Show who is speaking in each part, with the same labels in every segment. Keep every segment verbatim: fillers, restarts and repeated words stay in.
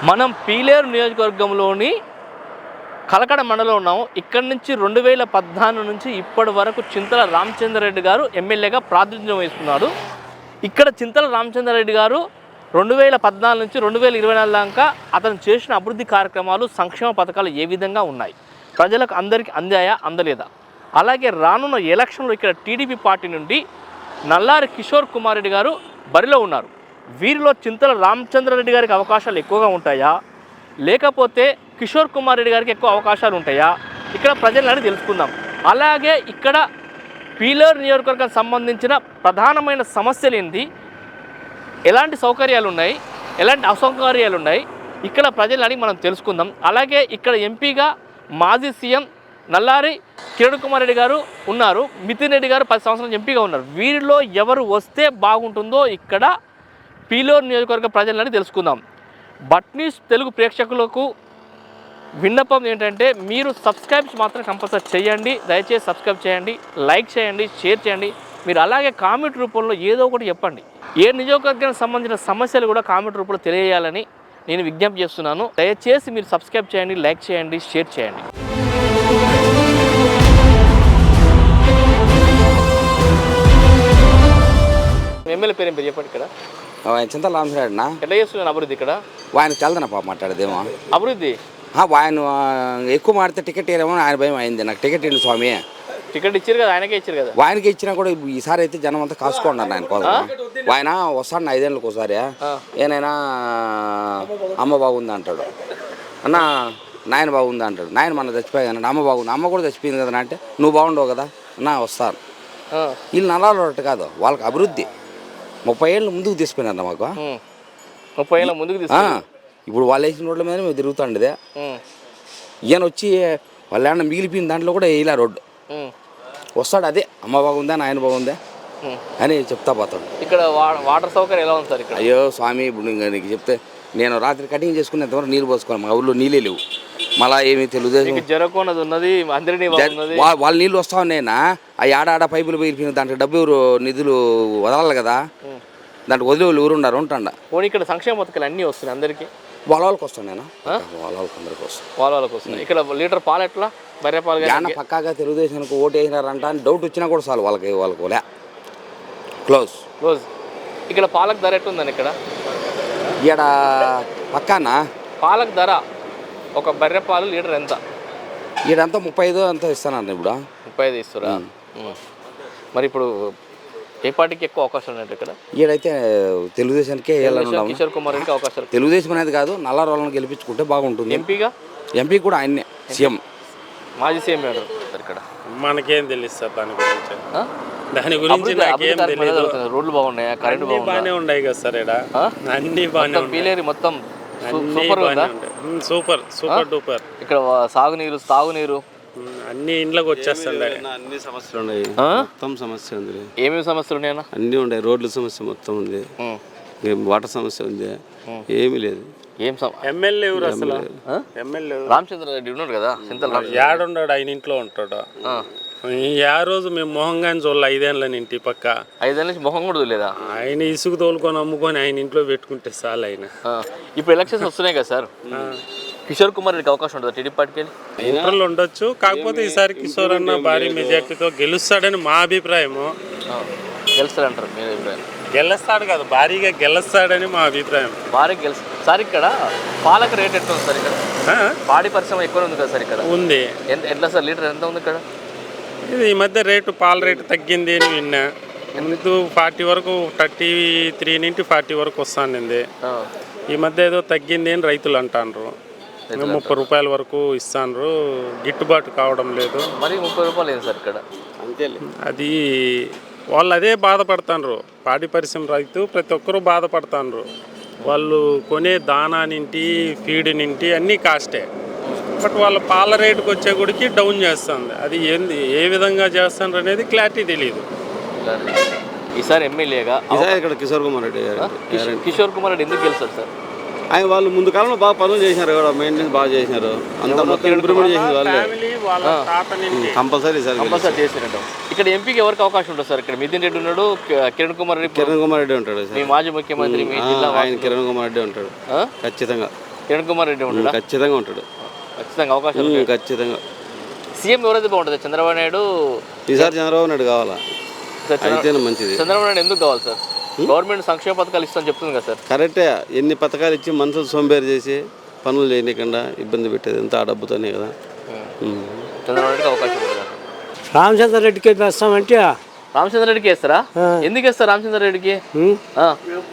Speaker 1: మనం పీలేరు నియోజకవర్గంలోని కలకడ మండలంలో ఉన్నాము. ఇక్కడి నుంచి రెండు వేల పద్నాలుగు నుంచి ఇప్పటి వరకు చింతల రామచంద్రారెడ్డి గారు ఎమ్మెల్యేగా ప్రాతినిధ్యం వహిస్తున్నాడు. ఇక్కడ చింతల రామచంద్రారెడ్డి గారు రెండు వేల పద్నాలుగు నుంచి రెండు వేల ఇరవై నాలుగు దాకా అతను చేసిన అభివృద్ధి కార్యక్రమాలు, సంక్షేమ పథకాలు ఏ విధంగా ఉన్నాయి, ప్రజలకు అందరికీ అందాయా అందలేదా, అలాగే రానున్న ఎలక్షన్లో ఇక్కడ టీడీపీ పార్టీ నుండి నల్లారి కిషోర్ కుమార్ రెడ్డి గారు బరిలో ఉన్నారు. వీరిలో చింతల రామచంద్రారెడ్డి గారికి అవకాశాలు ఎక్కువగా ఉంటాయా, లేకపోతే కిషోర్ కుమార్ రెడ్డి గారికి ఎక్కువ అవకాశాలు ఉంటాయా, ఇక్కడ ప్రజలని తెలుసుకుందాం. అలాగే ఇక్కడ పీలేరు నియోజకవర్గానికి సంబంధించిన ప్రధానమైన సమస్యలు ఏంటి, ఎలాంటి సౌకర్యాలు ఉన్నాయి, ఎలాంటి అసౌకర్యాలు ఉన్నాయి, ఇక్కడ ప్రజలని మనం తెలుసుకుందాం. అలాగే ఇక్కడ ఎంపీగా మాజీ సీఎం నల్లారి కిరణ్ కుమార్ రెడ్డి గారు ఉన్నారు, మితిన్ రెడ్డి గారు పది సంవత్సరాలు ఎంపీగా ఉన్నారు. వీరిలో ఎవరు వస్తే బాగుంటుందో ఇక్కడ పీలేరు నియోజకవర్గ ప్రజలని తెలుసుకుందాం. బట్ న్యూస్ తెలుగు ప్రేక్షకులకు విన్నపం ఏంటంటే మీరు సబ్స్క్రైబ్స్ మాత్రం కంపల్సరీ చేయండి. దయచేసి సబ్స్క్రైబ్ చేయండి, లైక్ చేయండి, షేర్ చేయండి. మీరు అలాగే కామెంట్ రూపంలో ఏదో ఒకటి చెప్పండి. ఏ నియోజకవర్గానికి సంబంధించిన సమస్యలు కూడా కామెంట్ రూపంలో తెలియజేయాలని నేను విజ్ఞప్తి చేస్తున్నాను. దయచేసి మీరు సబ్స్క్రైబ్ చేయండి, లైక్ చేయండి, షేర్ చేయండి. ఎమ్మెల్యే పేరు ఏం పేరు చెప్పండి. ఇక్కడ
Speaker 2: చింతల రామచంద్రారెడ్డినా
Speaker 1: ఎట్లా చేస్తున్నాను అభివృద్ధి? ఇక్కడ
Speaker 2: ఆయన తెలదన పాప మాట్లాడదేమో
Speaker 1: అభివృద్ధి.
Speaker 2: ఆయన ఎక్కువ మాడితే టికెట్ ఇవ్వమో ఆయన భయం అయింది. నాకు టికెట్ ఇవ్వండి స్వామి.
Speaker 1: టికెట్ ఇచ్చారు కదా, ఆయనకే ఇచ్చారు కదా.
Speaker 2: ఆయనకి ఇచ్చినా కూడా ఈసారి అయితే జనం అంతా కాసుకోండి ఆయన కోసం. ఆయన వస్తాడు ఐదేళ్ళకి ఒకసారి, ఏనైనా అమ్మ బాగుంది అంటాడు, అన్న నాయన బాగుంది అంటాడు. నాయన మన చచ్చిపోయాను, అమ్మ బాగుంది, అమ్మ కూడా చచ్చిపోయింది కదా అంటే నువ్వు బాగుండవు కదా అన్న వస్తాను. వీళ్ళు నలాలు ఒకటి కాదు, వాళ్ళకి అభివృద్ధి ముప్పై ఏళ్ళు ముందుకు తీసుకుపోయినారు మాకు.
Speaker 1: ముప్పై ఏళ్ళ ముందుకు
Speaker 2: ఇప్పుడు వాళ్ళు వేసిన రోడ్ల మీద మేము తిరుగుతుండేదే. ఈయన వచ్చి వాళ్ళు ఏమన్నా మిగిలిపోయిన దాంట్లో కూడా వేయలే రోడ్డు. వస్తాడు అదే అమ్మ బాగుందా నాయన బాగుందా అని చెప్తా పోతాడు.
Speaker 1: ఇక్కడ వాటర్ సౌకర్యం ఎలా ఉంది సార్? ఇక్కడ
Speaker 2: అయ్యో స్వామి, ఇప్పుడు ఇంకా నీకు చెప్తే నేను రాత్రి కటింగ్ చేసుకునేంతవరకు నీళ్ళు పోసుకోవాలి. మా ఊళ్ళో నీళ్ళే లేవు. మళ్ళా ఏమి తెలుగుదేశం
Speaker 1: జరగకున్నది ఉన్నది,
Speaker 2: వాళ్ళ నీళ్ళు వస్తా ఉన్నాయినా ఆ ఆడాడ పైపులు పోయిపోయిన దాంట్లో డబ్బు ఎవరు నిధులు వదలాలి కదా, దాంట్లో వదిలే వాళ్ళు ఊరు ఉన్నారు ఉంటాండ.
Speaker 1: పోనీ ఇక్కడ సంక్షేమ పథకాలు అన్నీ వస్తున్నాయి అందరికి,
Speaker 2: వాళ్ళ వాళ్ళకి వస్తాను నేను వాళ్ళ వాళ్ళకి అందరికి వస్తాను.
Speaker 1: వాళ్ళ వాళ్ళకి వస్తున్నాయి. ఇక్కడ లీటర్ పాలు ఎట్లా బర్రె పాలు
Speaker 2: కానీ పక్కాగా తెలుగుదేశానికి ఓటు వేసినారంట అని డౌట్ వచ్చినా కూడా చాలు వాళ్ళకి వాళ్ళకి లే క్లోజ్
Speaker 1: క్లోజ్. ఇక్కడ పాలకు ధర ఎట్లుందని? ఇక్కడ
Speaker 2: ఇక్కడ పక్కానా
Speaker 1: పాలకు ధర ఒక బర్రె పాలు లీటర్ ఎంత?
Speaker 2: ఈడంతా ముప్పై ఐదు అంతా ఇస్తాను ఇప్పుడు.
Speaker 1: ముప్పై ఐదు ఇస్తారా? మరి ఇప్పుడు ఏ పార్టీకి ఎక్కువ అవకాశం ఉన్నాయి ఇక్కడ?
Speaker 2: ఈడైతే తెలుగుదేశానికే
Speaker 1: కిషోర్ కుమార్ రెడ్డికి అవకాశాలు.
Speaker 2: తెలుగుదేశం అనేది కాదు, నల్లారు వాళ్ళని గెలిపించుకుంటే బాగుంటుంది.
Speaker 1: ఎంపీగా
Speaker 2: ఎంపీ కూడా ఆయన్నే సీఎం, మాజీ
Speaker 1: సీఎం గారు. ఇక్కడ
Speaker 3: మనకేం తెలుసు సార్ దాని గురించి, దాని గురించి నాకేం తెలియదు.
Speaker 1: రోడ్లు బాగున్నాయా, కరెంట్
Speaker 3: బాగానే ఉన్నాయి కదా సార్. ఇక్కడ అన్ని బాగానే
Speaker 1: పీలేరు మొత్తం
Speaker 3: సూపర్ సూపర్ సూపర్ డూపర్.
Speaker 1: ఇక్కడ సాగునీరు తాగునీరు
Speaker 3: అన్ని ఇంట్లోకి వచ్చేస్తుంది.
Speaker 4: అన్ని సమస్యలు ఉన్నాయి, మొత్తం సమస్య ఉంది.
Speaker 1: ఏమేమి సమస్యలు ఉన్నాయన్నా?
Speaker 4: అన్ని ఉన్నాయి. రోడ్ల సమస్య మొత్తం ఉంది, వాటర్ సమస్య ఉంది, ఏమీ లేదు.
Speaker 1: ఏం
Speaker 3: ఎమ్మెల్యే ఎవరు అసలు? ఎమ్మెల్యే
Speaker 1: రామచంద్రారెడ్డి ఉన్నాడు కదా, చింతల
Speaker 3: యాడున్నాడు? ఆయన ఇంట్లో ఉంటాడు. ఆ రోజు మేము మొహంగాని చూడాలి ఐదేళ్ళ ఇంటి పక్క.
Speaker 1: ఐదేళ్ళ నుంచి మొహం కూడా చూడలేదా?
Speaker 3: ఆయన ఇసుకు తోలుకొని అమ్ముకొని ఆయన ఇంట్లో పెట్టుకుంటే చాలు. ఆయన
Speaker 1: ఇప్పుడు ఎలక్షన్స్ వస్తున్నాయి కదా సార్, కిషోర్ కుమార్ రెడ్డికి అవకాశం ఉంటుంది టీడీపీ పార్టీకి?
Speaker 3: ఇంటర్లో ఉండొచ్చు, కాకపోతే ఈసారి కిషోర్ అన్న భారీ మెజార్టీతో గెలుస్తాడని మా అభిప్రాయము.
Speaker 1: గెలుస్తాడంటారు మీ అభిప్రాయం?
Speaker 3: గెలుస్తాడు కాదు, భారీగా గెలుస్తాడని మా అభిప్రాయం.
Speaker 1: భారీగా గెలుస్తాడు సార్. ఇక్కడ పాలకు రేట్ ఎట్లా ఉంది సార్? ఇక్కడ పాడి పరిశ్రమ ఎక్కువ ఉంది కదా సార్? ఇక్కడ ఉంది. ఎంత ఎట్లా సార్ లీటర్ ఎంత ఉంది ఇక్కడ?
Speaker 3: ఇది ఈ మధ్య రేటు పాల రేటు తగ్గింది అని విన్నా. ముందు ఫార్టీ వరకు థర్టీ త్రీ నుండి ఫార్టీ వరకు వస్తానండి. ఈ మధ్య ఏదో తగ్గింది అని రైతులు అంటారు. ముప్పై రూపాయల వరకు ఇస్తాను, గిట్టుబాటు కావడం లేదు.
Speaker 1: మరి ముప్పై రూపాయలు ఏంటి సార్ ఇక్కడ? అంతే.
Speaker 3: అది వాళ్ళు అదే బాధపడతారు. పాడి పరిశ్రమ రైతు ప్రతి ఒక్కరూ బాధపడతారు. వాళ్ళు కొనే దానా నింటి ఫీడ్ నింటి అన్నీ కాస్టే. బట్ వాళ్ళ పాల రేటుకి వచ్చే గుడికి డౌన్ చేస్తుంది. అది ఏంది ఏ విధంగా చేస్తారు అనేది క్లారిటీ తెలియదు.
Speaker 1: ఈసారి ఎమ్మెల్యేగా
Speaker 4: ఇక్కడ కిషోర్ కుమార్ రెడ్డి
Speaker 1: కిషోర్ కుమార్ రెడ్డి ఎందుకు గెలుస్తారు సార్?
Speaker 4: ఆయన వాళ్ళు ముందు కాలంలో బాగా పనులు చేసినారు కదా, మెయింటెనెన్స్ బాగా చేసినారు, అంత మొత్తం ఇంప్రూవ్మెంట్ చేసిన వాళ్ళు కంపల్సరీ సార్
Speaker 1: కంపల్సరీ చేసినట్టు. ఇక్కడ ఎంపీకి ఎవరికి అవకాశం ఉంటుంది సార్? ఇక్కడ మితిన్ రెడ్డి ఉన్నాడు, కిరణ్ కుమార్ రెడ్డి
Speaker 4: కిరణ్ కుమార్ రెడ్డి ఉంటాడు
Speaker 1: మీ మాజీ ముఖ్యమంత్రి, మీ జిల్లా
Speaker 4: ఆయన కిరణ్ కుమార్ రెడ్డి ఉంటాడు ఖచ్చితంగా.
Speaker 1: కిరణ్ కుమార్ రెడ్డి ఉంటాడా?
Speaker 4: ఖచ్చితంగా ఉంటాడు.
Speaker 1: ఖచ్చితంగా అవకాశం
Speaker 4: ఉమ్,
Speaker 1: ఉంది.
Speaker 4: ఖచ్చితంగా.
Speaker 1: సీఎం ఎవరైతే బాగుంటుంది? చంద్రబాబు నాయుడు
Speaker 4: ఈసారి చంద్రబాబు నాయుడు కావాలా?
Speaker 1: సార్, చంద్ర-
Speaker 4: అయితేనే మంచిది.
Speaker 1: చంద్రబాబు నాయుడు ఎందుకు కావాలి సార్? గవర్నమెంట్ సంక్షేమ పథకాలు ఇస్తామని చెప్తుంది కదా సార్.
Speaker 4: కరెక్టే. ఎన్ని పథకాలు ఇచ్చి మనుషులు సోంబేరు చేసి పనులు చేయకుండా ఇబ్బంది పెట్టేది అంతా ఆ డబ్బుతోనే కదా. ఉమ్.
Speaker 1: చంద్రబాబు నాయుడుకి అవకాశం ఉంటుంది.
Speaker 5: రామచంద్ర రెడ్డికి వేస్తామంటే
Speaker 1: రామచంద్ర రెడ్డికి వేస్తారా? ఎందుకు వేస్తారు రామచంద్ర రెడ్డికి? ఆ,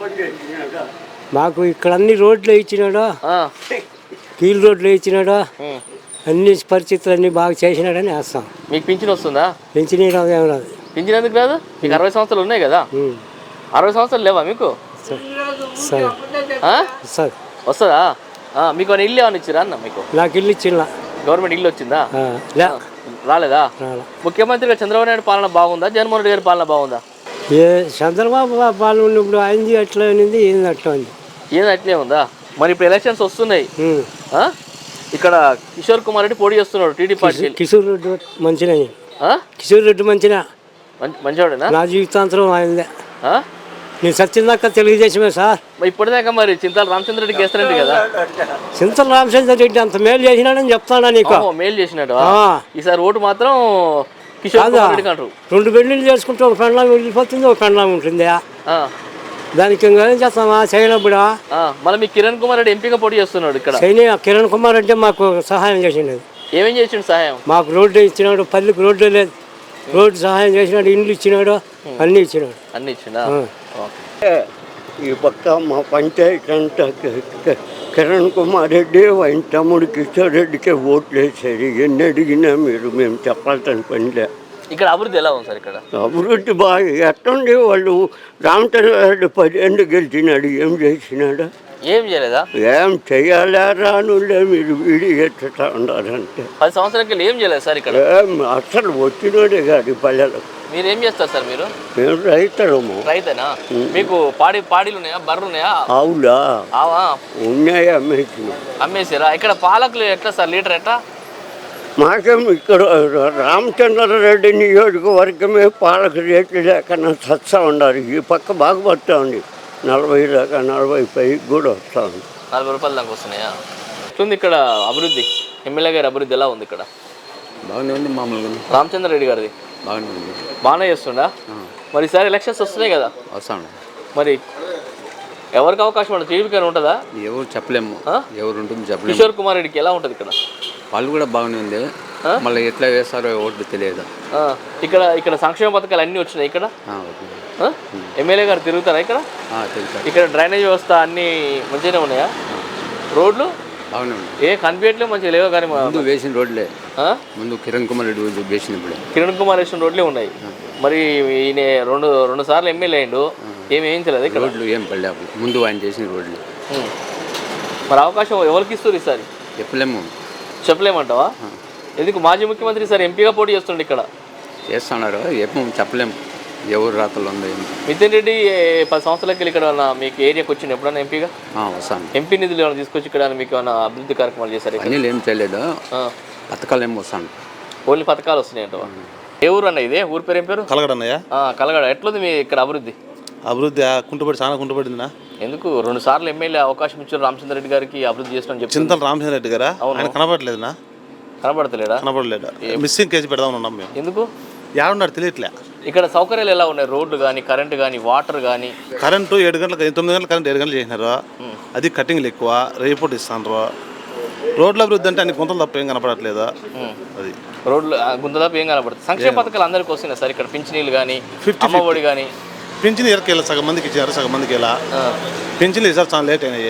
Speaker 5: మాకు ఇక్కడ అన్ని రోడ్లు ఇచ్చినాడు,
Speaker 1: ఆ,
Speaker 5: కీల్ రోడ్లు ఇచ్చినాడు,
Speaker 1: ఉమ్.
Speaker 5: అన్ని పరిస్థితులు అన్ని బాగా చేసినాడని వేస్తాం.
Speaker 1: మీకు పింఛన్ వస్తుందా?
Speaker 5: పెంచిన ఏం రాదు.
Speaker 1: పింఛన్ ఎందుకు రాదు? మీకు అరవై సంవత్సరాలు ఉన్నాయి కదా.
Speaker 5: ఉమ్.
Speaker 1: అరవై సంవత్సరాలు లేవా మీకు?
Speaker 5: సరే
Speaker 1: ఆ?
Speaker 5: సరే
Speaker 1: వస్తుందా? ఆ, మీకు ఏమైనా ఇల్లు ఏమైనా ఇచ్చిరా అన్న? మీకు
Speaker 5: నాకు ఇల్లు ఇచ్చిన
Speaker 1: గవర్నమెంట్ ఇల్లు వచ్చిందా?
Speaker 5: లే
Speaker 1: రాలేదా?
Speaker 5: రాలా.
Speaker 1: ముఖ్యమంత్రిగా చంద్రబాబు నాయుడు పాలన బాగుందా, జగన్మోహన్ రెడ్డి గారి పాలన బాగుందా?
Speaker 5: ఏ చంద్రబాబు పాలన ఉన్నప్పుడు అయింది అట్లా ఉంది, ఏంది అట్లా ఉంది.
Speaker 1: ఏది అట్లే ఉందా? మరి ఇప్పుడు ఎలక్షన్స్ వస్తున్నాయి.
Speaker 5: ఉమ్.
Speaker 1: ఆ? ఇక్కడ కిషోర్ కుమార్ రెడ్డి పోటీ చేస్తున్నాడు టీడీపీ పార్టీ.
Speaker 5: కిషోర్ రెడ్డి మంచిగా,
Speaker 1: ఆ?
Speaker 5: కిషోర్ రెడ్డి మంచిగా,
Speaker 1: మంచి మంచివాడేనా?
Speaker 5: నా జీవితాంతరం ఆయనదే.
Speaker 1: ఆ?
Speaker 5: నేను సత్యందాకా తెలుగుదేశమే సార్.
Speaker 1: మరి ఇప్పటిదాకా మరి చింతాల రామచంద్ర రెడ్డికి వేస్తారంటే కదా.
Speaker 5: చింతల రామచంద్ర రెడ్డి అంత మేలు చేసినాడని చెప్తానా నీకు.
Speaker 1: ఓ, మేలు చేసినాడు.
Speaker 5: ఆ.
Speaker 1: ఈసారి ఓటు మాత్రం కిషోర్ కుమార్ రెడ్డికి అంటారు.
Speaker 5: రెండు పెళ్ళిళ్ళు చేసుకుంటే ఒక పెండ్లాం వెళ్ళిపోతుంది, ఒక పెండ్లాం ఉంటుంది.
Speaker 1: ఆ.
Speaker 5: దానికి ఇంకా ఏం చేస్తామా చేయనప్పుడు.
Speaker 1: ఆ, మళ్ళీ మీ కిరణ్ కుమార్ రెడ్డి ఎంపీగా పోటీ చేస్తున్నాడు ఇక్కడ.
Speaker 5: చైనా కిరణ్ కుమార్ అంటే మాకు సహాయం చేసినది.
Speaker 1: ఏమేం చేసిండు సహాయం?
Speaker 5: మాకు రోడ్డు ఇచ్చినాడు, పల్లెకి రోడ్డు లేదు, రోడ్డు సహాయం చేసినాడు, ఇండ్లు ఇచ్చినాడు, అన్నీ ఇచ్చినాడు.
Speaker 1: అన్ని ఇచ్చిండా?
Speaker 5: ఆ.
Speaker 1: ఓకే.
Speaker 6: ఈ పక్క మా పంచాయతీ అంతా కి- కి- కిరణ్ కుమార్ రెడ్డి ఆయన తమ్ముడు కిషోర్ రెడ్డికే ఓట్లు వేసారు. ఎన్ని అడిగినా మీరు మేము చెప్పాల్సిన పనిలే.
Speaker 1: ఇక్కడ అభివృద్ధి ఎలా ఉంది సార్ ఇక్కడ?
Speaker 6: అభివృద్ధి బాగా ఎట్టుండి వాళ్ళు రామచంద్ర రెడ్డి పదేళ్ళు గెలిచినాడు, ఏం చేసినాడు?
Speaker 1: ఏం చేయలేదా?
Speaker 6: ఏం చెయ్యాలా రానులే మీరు వీడి ఎట్టుతా ఉన్నారంటే
Speaker 1: పది సంవత్సరాలకి ఏం చేయలేదు సార్ ఇక్కడ?
Speaker 6: ఏం అసలు వచ్చినోడే కాదు పల్లెలకు.
Speaker 1: మీరు ఏం చేస్తారు సార్? మీరు
Speaker 6: మేము రైతులము.
Speaker 1: రైతేనా? మీకు పాడి పాడీలు ఉన్నాయా, బర్రెలు ఉన్నాయా?
Speaker 6: ఆవులా
Speaker 1: ఆవా
Speaker 6: ఉన్నాయి, అమ్మేసిన.
Speaker 1: అమ్మేసారా? ఇక్కడ పాలకులు ఎట్లా సార్ లీటర్ ఎట్లా?
Speaker 6: మాకేం ఇక్కడ రామచంద్రారెడ్డి నియోజకవర్గమే పాలకు రేట్లు లేకన్నా సత్సా ఉన్నారు. ఈ పక్క బాగా పడుతూ ఉంది, నలభై దాకా నలభై పైకి కూడా వస్తూ ఉంది.
Speaker 1: నలభై రూపాయల దాకా వస్తున్నాయా? ఎట్లుంది ఇక్కడ అభివృద్ధి? ఎమ్మెల్యే గారి అభివృద్ధి ఎలా ఉంది ఇక్కడ?
Speaker 2: బాగానే ఉంది, మామూలుగా
Speaker 1: రామచంద్ర రెడ్డి గారిది
Speaker 2: బాగానే ఉంది.
Speaker 1: బాగానే చేస్తుండా? మరి ఈసారి ఎలక్షన్స్ వస్తున్నాయి కదా,
Speaker 2: వస్తాను.
Speaker 1: మరి ఎవరికి అవకాశం ఉంటుంది? టీడీపీ ఉంటుందా?
Speaker 2: ఎవరు చెప్పలేము, ఎవరు ఉంటుంది చెప్పలేము.
Speaker 1: కిషోర్ కుమార్ రెడ్డికి ఎలా ఉంటుంది ఇక్కడ?
Speaker 2: వాళ్ళు కూడా బాగానే ఉంది, మళ్ళీ ఎట్లా వేస్తారో ఓట్లు తెలియదు.
Speaker 1: ఆ, ఇక్కడ ఇక్కడ సంక్షేమ పథకాలు అన్నీ వచ్చినాయి ఇక్కడ.
Speaker 2: ఆ, ఓకే.
Speaker 1: ఆ? ఎమ్మెల్యే గారు తిరుగుతారా ఇక్కడ?
Speaker 2: ఆ, తెలుసా.
Speaker 1: ఇక్కడ డ్రైనేజ్ వ్యవస్థ అన్నీ మంచిగానే ఉన్నాయా? రోడ్లు
Speaker 2: బాగానే ఉంది.
Speaker 1: ఏ కనిపించట్లేదు, మంచిగా లేవో కానీ మా-
Speaker 2: ముందు వేసిన రోడ్లే,
Speaker 1: ఆ?
Speaker 2: ముందు కిరణ్ కుమార్ రెడ్డి గురించి వేసినప్పుడే.
Speaker 1: కిరణ్ కుమార్ వేసిన రోడ్లే ఉన్నాయి. మరి ఈయన రెండు రెండు సార్లు ఎమ్మెల్యే అయిండు, ఏమి వేయించలేదు ఇక్కడ.
Speaker 2: రోడ్లు ఏం పడలేవు, ముందు ఆయన చేసిన రోడ్లు.
Speaker 1: ఉం. మరి అవకాశం ఎవరికి ఇస్తారు ఈసారి?
Speaker 2: చెప్పలేము,
Speaker 1: చెప్పలేమంటావా? ఎందుకు? మాజీ ముఖ్యమంత్రి ఈసారి ఎంపీగా పోటీ చేస్తుండే ఇక్కడ.
Speaker 2: చేస్తున్నారు, ఏమో చెప్పలేము ఎవరు రాతలు ఉందో.
Speaker 1: మితిన్ రెడ్డి ఏ, పది సంవత్సరాలకి వెళ్ళి ఇక్కడ ఏమన్నా మీకు ఏరియాకి వచ్చింది ఎప్పుడన్నా ఎంపీగా?
Speaker 2: వస్తాను.
Speaker 1: ఎంపీ నిధులు ఏమైనా తీసుకొచ్చి ఇక్కడ మీకు ఏమైనా అభివృద్ధి కార్యక్రమాలు చేశారు ఇక్కడ?
Speaker 2: అన్నీ ఏం చేయలేదు,
Speaker 1: ఆ.
Speaker 2: పథకాలు ఏమో వస్తాను.
Speaker 1: ఓన్లీ పథకాలు వస్తున్నాయంటవా? ఏ ఊరు అన్న ఇదే? ఊరి పేరు ఏం పేరు?
Speaker 7: కలగడన్నయ్య.
Speaker 1: ఆ, కలగడ. ఎట్లుంది మీ ఇక్కడ అభివృద్ధి?
Speaker 7: అభివృద్ధి కుంటుపడి చాలా కుంటుపడిందినా.
Speaker 1: ఎందుకు రెండు సార్లు ఎమ్మెల్యే అవకాశం ఇచ్చారు రామచంద్ర రెడ్డి గారికి అభివృద్ధి చేస్తామని చెప్పి?
Speaker 7: చింతల రామచంద్ర రెడ్డి గారా? ఆయన కనపడలేదునా?
Speaker 1: కనబడతలేడా?
Speaker 7: కనపడలేడు, మిస్సింగ్ కేసు పెడదాం ఉన్నాం మేము.
Speaker 1: ఎందుకు?
Speaker 7: ఏడున్నాడు తెలియట్లే.
Speaker 1: ఇక్కడ సౌకర్యాలు ఎలా ఉన్నాయి? రోడ్లు కానీ, కరెంటు కానీ, వాటర్ కానీ?
Speaker 7: కరెంటు ఏడు గంటలకు తొమ్మిది గంటల కరెంట్ ఏడు గంటలు చేసినారు, అది కటింగ్లు ఎక్కువ, రిపోర్ట్ ఇస్తాను. రోడ్ల అభివృద్ధి అంటే అన్ని గుంతలు తప్ప ఏం కనపడట్లేదు. అది
Speaker 1: రోడ్లు గుంతదాపు ఏం కనబడుతుంది? సంక్షేమ పథకాలు అందరికి వస్తున్నాయి సార్ ఇక్కడ? పింఛనీలు కానీ, అమ్మఒడి కానీ?
Speaker 7: పింఛన్ ఎరకి వెళ్ళి సగం మందికి ఇచ్చారు, సగం మందికి ఇలా పింఛన్లు ఈసారి చాలా లేట్ అయినాయి.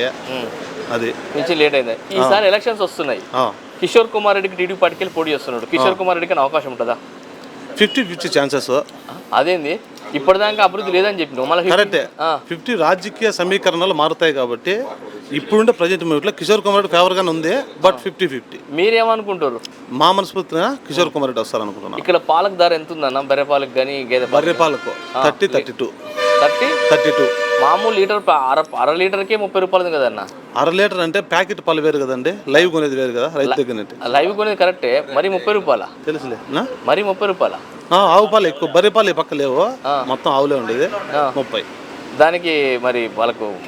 Speaker 7: అది
Speaker 1: పింఛన్ లేట్ అయింది. ఈసారి ఎలక్షన్స్ వస్తున్నాయి, కిషోర్ కుమార్ రెడ్డికి టీడీపీ పార్టీకి వెళ్ళి పోటీ చేస్తున్నాడు. కిషోర్ కుమార్ రెడ్డికి అవకాశం ఉంటుందా?
Speaker 7: Fifty fifty chances.
Speaker 1: అదేంది ఇప్పటిదాకా అభివృద్ధి లేదని చెప్పి మళ్ళీ?
Speaker 7: కరెక్టే, ఫిఫ్టీ రాజకీయ సమీకరణలు మారుతాయి కాబట్టి ఇప్పుడుండే ప్రజెంట్ మూవీలో కిషోర్ కుమార్ రెడ్డి ఫేవర్గానే ఉంది, బట్ ఫిఫ్టీ ఫిఫ్టీ.
Speaker 1: మీరేమనుకుంటారు?
Speaker 7: మా మనస్ఫూర్తిగా కిషోర్ కుమార్ రెడ్డి వస్తారనుకుంటున్నాను.
Speaker 1: ఇక్కడ పాలకు ధర ఎంత ఉందన్న? బర్రె పాలకు కానీ, గేదె
Speaker 7: బర్రె పాలకు thirty thirty two
Speaker 1: thirty
Speaker 7: thirty two
Speaker 1: మామూలు లీటర్ అర అర లీటర్కే ముప్పై రూపాయలు కదన్న.
Speaker 7: అర లీటర్ అంటే ప్యాకెట్ పాలు వేరు కదండి, లైవ్ కొనేది వేరు కదా, రైతు దగ్గర.
Speaker 1: లైవ్ కొనేది కరెక్టే, మరి ముప్పై రూపాయల?
Speaker 7: తెలుసులే,
Speaker 1: మరి ముప్పై రూపాయల?
Speaker 7: ఆవు పాలు ఎక్కువ, బర్రె పాలు ఈ పక్క లేవు, మొత్తం ఆవులే ఉండేది ముప్పై.
Speaker 1: దానికి మరి వాళ్ళకు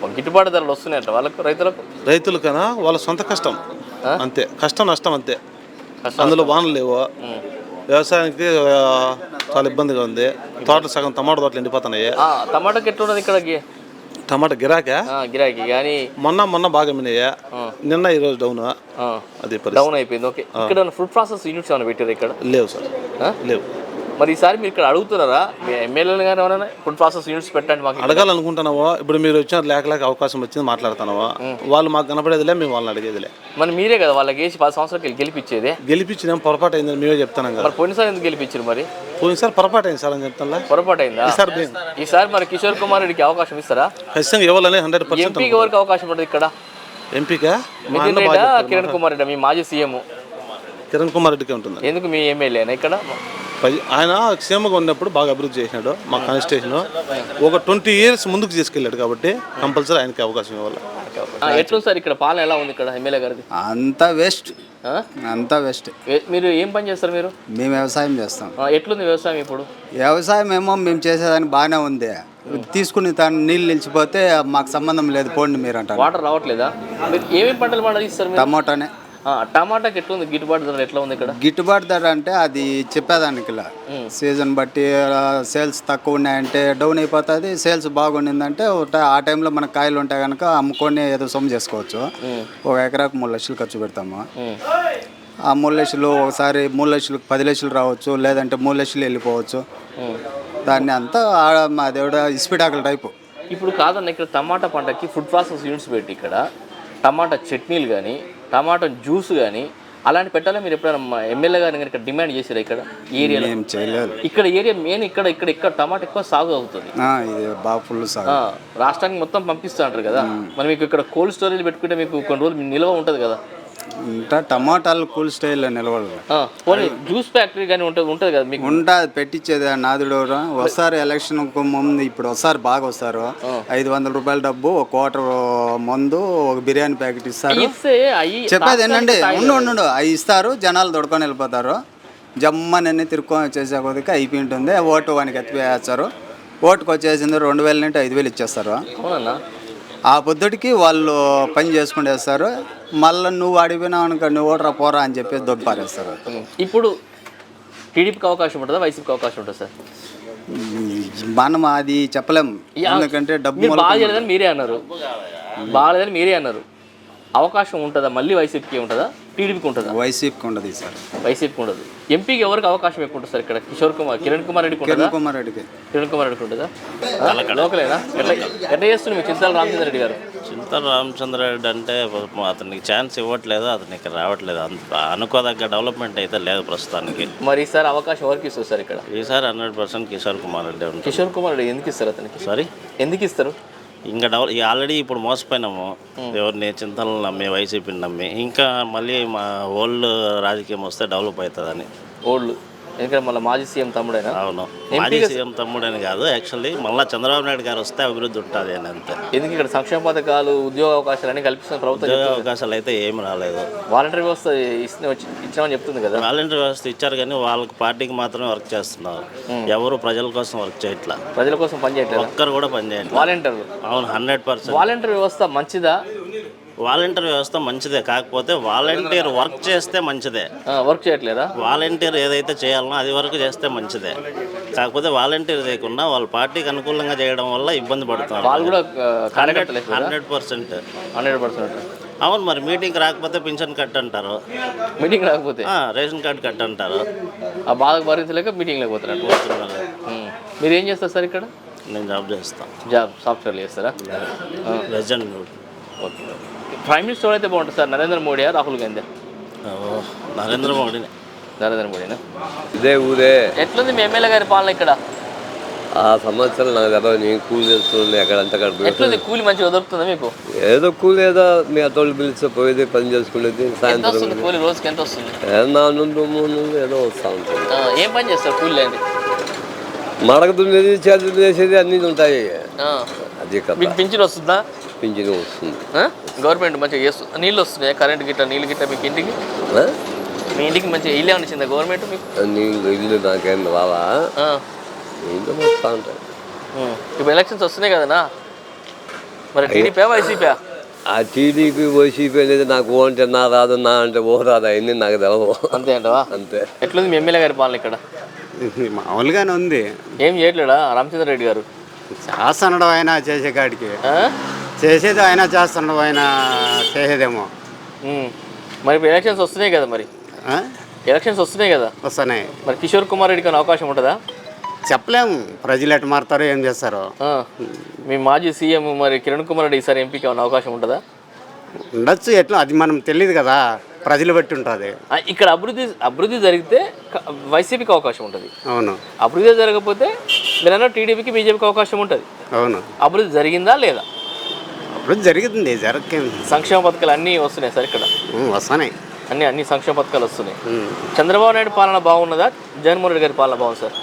Speaker 1: గిట్టుబాటు ధరలు వస్తున్నాయంట వాళ్ళకు రైతులకు.
Speaker 7: రైతులకైనా వాళ్ళ సొంత కష్టం అంతే, కష్టం నష్టం అంతే. అందులో వానలు లేవు, వ్యవసాయానికి ఆ, చాలా ఇబ్బందిగా ఉంది. తోటలు సగం టమాటా తోటలు ఎండిపోతున్నాయి.
Speaker 1: ఆ, టమాటాకి ఎట్లా ఉన్నది ఇక్కడ గి-
Speaker 7: టమాటా గిరాకా
Speaker 1: ఆ, గిరాకీ కానీ
Speaker 7: మొన్న మొన్న బాగా మిన్నాయి, నిన్న ఈరోజు డౌన్. అది పరిస్థితి.
Speaker 1: డౌన్ అయిపోయింది. ఓకే, ఇక్కడ ఫుడ్ ప్రాసెస్ యూనిట్స్ ఏమైనా పెట్టారు ఇక్కడ?
Speaker 7: లేవు సార్,
Speaker 1: ఆ?
Speaker 7: లేవు.
Speaker 1: మరి ఈసారి మీరు ఇక్కడ అడుగుతున్నారా మీ ఎమ్మెల్యేలు కానీ ఎవరైనా ఫుడ్ ప్రాసెస్ యూనిట్స్ పెట్టండి మాకు?
Speaker 7: అడగాలనుకుంటున్నావా? ఇప్పుడు మీరు వచ్చిన లేక లేక అవకాశం వచ్చింది మాట్లాడుతున్నావా? వాళ్ళు మాకు కనపడేదిలే, మేము వాళ్ళని అడిగేదిలే.
Speaker 1: మరి మీరే కదా వాళ్ళకి వేసి పది సంవత్సరాలకి గెలిపించేది.
Speaker 7: గెలిపించిన పొరపాటు అయిందని మేమే చెప్తాను కదా.
Speaker 1: మరి పోయినసారి ఎందుకు గెలిపించారు మరి?
Speaker 7: పోయినసారి పొరపాటు అయింది సార్ అని చెప్తాను.
Speaker 1: పొరపాటు అయిందా?
Speaker 7: ఈసారి
Speaker 1: ఈసారి మరి కిషోర్ కుమార్ రెడ్డికి అవకాశం ఇస్తారా?
Speaker 7: ఖచ్చితంగా ఇవ్వాలని హండ్రెడ్ పర్సెంట్.
Speaker 1: ఎంపీకి ఎవరికి అవకాశం ఉంటుంది ఇక్కడ?
Speaker 7: ఎంపీకా
Speaker 1: మిథున్ రెడ్డా, కిరణ్ కుమార్ రెడ్డి, మీ మాజీ సీఎం
Speaker 7: కిరణ్ కుమార్ రెడ్డికి ఉంటుంది.
Speaker 1: ఎందుకు మీ ఎమ్మెల్యేనా ఇక్కడ?
Speaker 7: పై- ఆయన సీఎంగా ఉన్నప్పుడు బాగా అభివృద్ధి చేసినాడు మా కాన్స్టిట్యూషన్. ఒక ట్వంటీ ఇయర్స్ ముందుకు తీసుకెళ్ళాడు కాబట్టి కంపల్సరీ ఆయనకి అవకాశం ఇవ్వాలి.
Speaker 1: ఆ, ఎట్లుంది సార్ ఇక్కడ పాలన ఎలా ఉంది ఇక్కడ ఎమ్మెల్యే గారిది?
Speaker 8: అంతా వేస్ట్,
Speaker 1: ఆ?
Speaker 8: అంతా వేస్ట్.
Speaker 1: ఏ- మీరు ఏం పని చేస్తారు మీరు?
Speaker 8: మేము వ్యవసాయం చేస్తాం.
Speaker 1: ఆ, ఎట్లుంది వ్యవసాయం ఇప్పుడు?
Speaker 8: వ్యవసాయం ఏమో మేము చేసేదానికి బాగానే ఉంది. తీసుకుని దాన్ని నీళ్ళు నిలిచిపోతే మాకు సంబంధం లేదు, పోండి మీరు అంటారు.
Speaker 1: వాటర్ రావట్లేదా? మీరు ఏమేమి పంటలు పండిస్తారు మీరు?
Speaker 8: టమోటానే.
Speaker 1: ఆ, టమాటాకి ఎట్లుంది గిట్టుబాటు ధర ఎట్లా ఉంది ఇక్కడ?
Speaker 8: గిట్టుబాటు ధర అంటే అది చెప్పేదానికి ఇలా సీజన్ బట్టి సేల్స్ తక్కువ ఉన్నాయంటే డౌన్ అయిపోతుంది, సేల్స్ బాగుండిందంటే ఒక- ఆ టైంలో మనకు కాయలు ఉంటాయి కనుక అమ్ముకొని ఏదో సొమ్ము చేసుకోవచ్చు. ఒక ఎకరాకు మూడు లక్షలు ఖర్చు పెడతాము. ఆ మూడు లక్షలు ఒకసారి మూడు లక్షలు పది లక్షలు రావచ్చు, లేదంటే మూడు లక్షలు వెళ్ళిపోవచ్చు. దాన్ని అంతా ఆ- మా దేవుడ ఇస్పిటాకుల టైపు.
Speaker 1: ఇప్పుడు కాదన్న ఇక్కడ టమాటా పంటకి ఫుడ్ ప్రాసెస్ యూనిట్స్ పెట్టి ఇక్కడ టమాటా చట్నీలు కానీ టమాటా జ్యూస్ కానీ అలాంటి పెట్టాలా? మీరు ఎప్పుడైనా ఎమ్మెల్యే గారిని కానీ ఇక్కడ డిమాండ్ చేశారు ఇక్కడ ఈ ఏరియాలో?
Speaker 8: ఏం చేయలేదు.
Speaker 1: ఇక్కడ ఏరియా మెయిన్ ఇక్కడ ఇక్కడ ఇక్కడ టమాటా ఎక్కువ సాగు అవుతుంది.
Speaker 8: ఆ, ఇది బాగా ఫుల్ సార్.
Speaker 1: ఆ, రాష్ట్రానికి మొత్తం పంపిస్తూ ఉంటారు కదా, మరి మీకు ఇక్కడ కోల్డ్ స్టోరేజ్ పెట్టుకుంటే మీకు కొన్ని రోజులు నిల్వ ఉంటుంది కదా.
Speaker 8: ఇంకా టమాటాలు కూల్ స్టైల్లో నిలవాలి.
Speaker 1: ఆ, పోనీ జ్యూస్ ఫ్యాక్టరీ కానీ ఉంటుంది ఉంటుంది కదా మీకు?
Speaker 8: ఉంటుంది, పెట్టించేది నాదుడు వస్తారు ఎలక్షన్ ముందు. ఇప్పుడు వస్తారు, బాగా వస్తారు. ఐదు వందల రూపాయల డబ్బు, ఒక క్వార్టర్ మందు, ఒక బిర్యానీ ప్యాకెట్ ఇస్తారు.
Speaker 1: ఇస్తే అయ్యి
Speaker 8: చెప్పేది ఏంటండి, ఉండు ఉండు అవి ఇస్తారు, జనాలు దొడుకొని వెళ్ళిపోతారు. జమ్మనన్నీ తిరుక్కొని చేసే కొద్దికి అయిపోయి ఉంటుంది. ఓటు వానికి ఎత్తివేస్తారు. ఓటుకు వచ్చేసింది రెండు వేల నుండి ఐదు వేలు ఇచ్చేస్తారు.
Speaker 1: అవునన్నా?
Speaker 8: ఆ పొద్దుటికి వాళ్ళు పని చేసుకుని వేస్తారు. మళ్ళీ నువ్వు అడిగిపోయినావు అనుకో, నువ్వు ఓటరా పోరా అని చెప్పేసి దొడ్డు పారేస్తారు.
Speaker 1: ఇప్పుడు టీడీపీకి అవకాశం ఉంటుందా, వైసీపీకి అవకాశం ఉంటుంది సార్?
Speaker 8: మనం అది చెప్పలేం, ఎందుకంటే డబ్బు
Speaker 1: మీరు బాగా చేయలేదని మీరే అన్నారు, బాగాలేదని మీరే అన్నారు. అవకాశం ఉంటుందా మళ్ళీ? వైసీపీకి ఉంటుందా, టీడీపీకి ఉంటుందా?
Speaker 8: వైసీపీకి ఉండదు సార్.
Speaker 1: వైసీపీకి ఉండదు. ఎంపీకి ఎవరికి అవకాశం ఎక్కువ ఉంటుంది సార్ ఇక్కడ? కిషోర్ కుమార్ కిరణ్ కుమార్ రెడ్డికి ఉంటుందా?
Speaker 8: కిరణ్ కుమార్ రెడ్డికి.
Speaker 1: కిరణ్ కుమార్ రెడ్డికి ఉంటుందా? లోకలేనా? ఎట్లా ఎట్లా చేస్తుంది మీ చింతల రామచంద్ర రెడ్డి గారు?
Speaker 9: చింతల రామచంద్రరెడ్డి అంటే అతనికి ఛాన్స్ ఇవ్వట్లేదు, అతనికి ఇక్కడ రావట్లేదు. అంత అనుకోదగ్గ డెవలప్మెంట్ అయితే లేదు ప్రస్తుతానికి.
Speaker 1: మరి ఈసారి అవకాశం ఎవరికి ఇస్తారు సార్ ఇక్కడ?
Speaker 9: ఈసారి హండ్రెడ్ పర్సెంట్ కిషోర్ కుమార్ రెడ్డి ఉంటారు.
Speaker 1: కిషోర్ కుమార్ రెడ్డి ఎందుకు ఇస్తారు అతనికి?
Speaker 9: సారీ,
Speaker 1: ఎందుకు ఇస్తారు?
Speaker 9: ఇంకా డెవలప్ ఆల్రెడీ ఇప్పుడు మోసపోయినాము. ఎవరిని చింతలను నమ్మి, వైసీపీని నమ్మి. ఇంకా మళ్ళీ మా ఓల్డ్ రాజకీయం వస్తే డెవలప్ అవుతుందని.
Speaker 1: ఓల్డ్ ఎందుకంటే మళ్ళీ మాజీ సీఎం తమ్ముడైనా?
Speaker 9: అవును, మాజీ సీఎం తమ్ముడని కాదు, యాక్చువల్లీ మళ్ళీ చంద్రబాబు నాయుడు గారు వస్తే అభివృద్ధి ఉంటుంది అని అంతే.
Speaker 1: ఎందుకు ఇక్కడ సంక్షేమ పథకాలు, ఉద్యోగ అవకాశాలు అన్ని కల్పిస్తున్న ప్రభుత్వం
Speaker 9: ఉద్యోగ అవకాశాలు అయితే ఏమి రాలేదు.
Speaker 1: వాలంటరీ వ్యవస్థ ఇస్తే వచ్చి ఇచ్చామని చెప్తుంది కదా.
Speaker 9: వాలంటీర్ వ్యవస్థ ఇచ్చారు కానీ వాళ్ళకి పార్టీకి మాత్రమే వర్క్ చేస్తున్నారు. ఎవరు ప్రజల కోసం వర్క్ చేయట్లా,
Speaker 1: ప్రజల కోసం పనిచేయట్లేదు,
Speaker 9: ఒక్కరు కూడా పనిచేయట్లేదు.
Speaker 1: వాలంటీర్లు.
Speaker 9: అవును, హండ్రెడ్ పర్సెంట్.
Speaker 1: వాలంటరీ వ్యవస్థ మంచిదా?
Speaker 9: వాలంటీర్ వ్యవస్థ మంచిదే, కాకపోతే వాలంటీర్ వర్క్ చేస్తే మంచిదే.
Speaker 1: వర్క్ చేయట్లేదా?
Speaker 9: వాలంటీర్ ఏదైతే చేయాలనో అది వరకు చేస్తే మంచిదే, కాకపోతే వాలంటీర్ చేయకుండా వాళ్ళ పార్టీకి అనుకూలంగా చేయడం వల్ల ఇబ్బంది పడుతున్నారు.
Speaker 1: వాళ్ళు కూడా కార్యకర్తలే.
Speaker 9: హండ్రెడ్ పర్సెంట్
Speaker 1: హండ్రెడ్ పర్సెంట్
Speaker 9: అవును. మరి మీటింగ్ రాకపోతే పింఛన్ కట్ అంటారు,
Speaker 1: మీటింగ్ రాకపోతే
Speaker 9: ఆ, రేషన్ కార్డు కట్ అంటారు.
Speaker 1: ఆ బాధకు భరించలేక మీటింగ్ లేకపోతున్నారు. మీరు ఏం చేస్తారు సార్ ఇక్కడ?
Speaker 9: నేను జాబ్ చేస్తాను.
Speaker 1: జాబ్ సాఫ్ట్వేర్లు చేస్తారా?
Speaker 9: లెజెండ్.
Speaker 1: ఓకే. ప్రైమ్ మినిస్టర్ అయితే బాగుంటుంది సార్, నరేంద్ర మోడీయా రాహుల్ గాంధీ?
Speaker 9: నరేంద్ర మోడీనే.
Speaker 1: నరేంద్ర మోడీనా?
Speaker 10: ఇదే ఊరే.
Speaker 1: ఎట్లుంది మీ ఎమ్మెల్యే గారి పాలన ఇక్కడ?
Speaker 10: ఆ సంవత్సరం నాకు తెలియదు, నేను కూలి చేస్తుంది అక్కడంతా కడుపు.
Speaker 1: ఎట్లుంది కూలి మంచిగా దొరుకుతుందా మీకు?
Speaker 10: ఏదో కూలి ఏదో మీ అతోళ్ళు పిలిచి పోయేది పని చేసుకునేది.
Speaker 1: ఎంత
Speaker 10: సాయంత్రం
Speaker 1: వస్తుంది కూలి రోజుకి? ఎంత వస్తుంది?
Speaker 10: నా నుండి మూడు నుండి ఏదో వస్తూ ఉంటుంది.
Speaker 1: ఆ, ఏం పని చేస్తారు కూలి అండి?
Speaker 10: మడక దున్నేది, చేతులు చేసేది అన్నీ ఉంటాయి.
Speaker 1: ఆ,
Speaker 10: అది కదా,
Speaker 1: మీకు పింఛన్ వస్తుందా?
Speaker 10: పింఛను వస్తుంది.
Speaker 1: ఆ? గవర్నమెంట్ మంచిగా చేస్తుంది. నీళ్ళు వస్తున్నాయా? కరెంట్ గిట్ట నీళ్ళు గిట్ట మీకు ఇంటికి?
Speaker 10: ఆ?
Speaker 1: మీ ఇంటికి మంచిగా ఇల్లు ఏమైనా ఇచ్చిందా గవర్నమెంట్ మీకు?
Speaker 10: నీళ్ళు ఇల్లు నాకేం రావా?
Speaker 1: ఆ.
Speaker 10: ఇంట్లో వస్తూ ఉంటాయి.
Speaker 1: ఉం. ఇప్పుడు ఎలక్షన్స్ వస్తున్నాయి కదనా, మరి టీడీపీ వైసీపీ
Speaker 10: ఆ టీడీపీ వైసీపీ అనేది నాకు ఓ అంటే నా రాదు నా అంటే ఓ రాదు అయింది నాకు తెలవు.
Speaker 1: అంతే అంటవా?
Speaker 10: అంతే.
Speaker 1: ఎట్లుంది మీ ఎమ్మెల్యే గారి పాలన ఇక్కడ?
Speaker 8: మామూలుగానే ఉంది.
Speaker 1: ఏం చేయట్లేడా రామచంద్ర రెడ్డి గారు?
Speaker 8: చేస్తున్నాడు ఆయన చేసే కాడికి,
Speaker 1: ఆ?
Speaker 8: చేసేది ఆయన చేస్తున్నాడు, ఆయన చేసేదేమో.
Speaker 1: ఉమ్. మరి ఇప్పుడు ఎలక్షన్స్ వస్తున్నాయి కదా, మరి
Speaker 8: ఆ?
Speaker 1: ఎలక్షన్స్ వస్తున్నాయి కదా,
Speaker 8: వస్తున్నాయి.
Speaker 1: మరి కిషోర్ కుమార్ రెడ్డికి అనే అవకాశం ఉంటుందా?
Speaker 8: చెప్పలేము, ప్రజలు ఎట్టు మారుతారో ఏం చేస్తారో.
Speaker 1: ఆ. మీ మాజీ సీఎం మరి కిరణ్ కుమార్ రెడ్డి ఈసారి ఎంపీకి అనే అవకాశం ఉంటుందా?
Speaker 8: ఉండొచ్చు, ఎట్లా అది మనం తెలియదు కదా, ప్రజలు బట్టి ఉంటుంది.
Speaker 1: ఆ, ఇక్కడ అభివృద్ధి అభివృద్ధి జరిగితే క- వైసీపీకి అవకాశం ఉంటుంది.
Speaker 8: అవును
Speaker 1: అభివృద్ధి జరగకపోతే మీరన్నా టీడీపీకి బీజేపీకి అవకాశం ఉంటుంది.
Speaker 8: అవును
Speaker 1: అభివృద్ధి జరిగిందా లేదా?
Speaker 8: అప్పుడు జరుగుతుంది, జరగకేం.
Speaker 1: సంక్షేమ పథకాలు అన్నీ వస్తున్నాయి సార్ ఇక్కడ,
Speaker 8: ఉం, వస్తున్నాయి.
Speaker 1: అన్ని అన్ని సంక్షేమ పథకాలు వస్తున్నాయి.
Speaker 8: ఉం.
Speaker 1: చంద్రబాబు నాయుడు పాలన బాగున్నదా, జగన్మోహన్ రెడ్డి గారి పాలన బాగుంది సార్?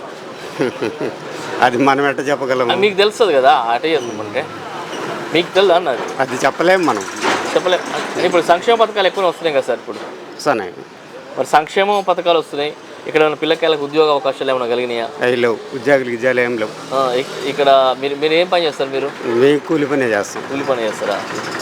Speaker 8: అది మనం ఎట్ట చెప్పగలము?
Speaker 1: ఆ, మీకు తెలుస్తుంది కదా అటే చేస్తామంటే, మీకు తెలుదా అన్నది?
Speaker 8: అది చెప్పలేము మనం.
Speaker 1: చెప్పలే. ఇప్పుడు సంక్షేమ పథకాలు ఎక్కువ వస్తున్నాయి కదా సార్ ఇప్పుడు.
Speaker 8: వస్తున్నాయి.
Speaker 1: మరి సంక్షేమ పథకాలు వస్తున్నాయి, ఇక్కడ ఉన్న పిల్లకాయలకు ఉద్యోగ అవకాశాలు ఏమైనా కలిగినాయా?
Speaker 8: అవి లేవు, ఉద్యోగులు గిద్యోగాలు ఏం లేవు.
Speaker 1: ఆ, ఇక్- ఇక్కడ మీరు మీరు ఏం పని చేస్తారు? మీరు
Speaker 8: మేము కూలి పనే చేస్తాం.
Speaker 1: కూలి పని చేస్తారా?